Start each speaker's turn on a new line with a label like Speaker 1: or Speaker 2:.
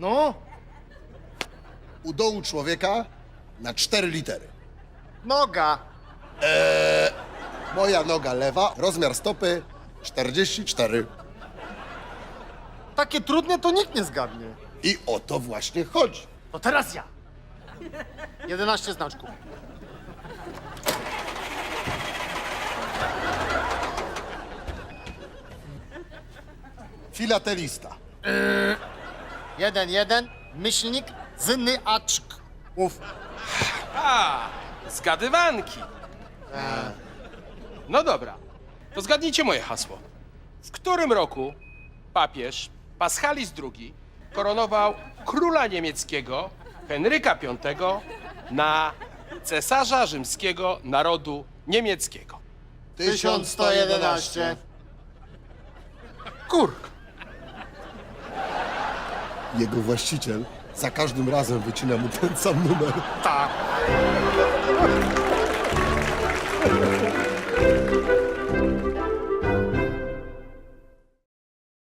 Speaker 1: No,
Speaker 2: U dołu człowieka na 4 litery.
Speaker 1: noga.
Speaker 2: Moja noga lewa, rozmiar stopy 44.
Speaker 1: Takie trudne to nikt nie zgadnie.
Speaker 2: I o to właśnie chodzi.
Speaker 1: To teraz ja. 11 znaczków.
Speaker 2: Filatelista.
Speaker 1: 1, myślnik, zyny, aczk. Uf.
Speaker 3: A, zgadywanki. No dobra, to zgadnijcie moje hasło. W którym roku papież Paschalis II koronował króla niemieckiego Henryka V na cesarza rzymskiego narodu niemieckiego?
Speaker 1: 1111.
Speaker 3: Kurk.
Speaker 2: Jego właściciel za każdym razem wycina mu ten sam numer.
Speaker 1: Tak.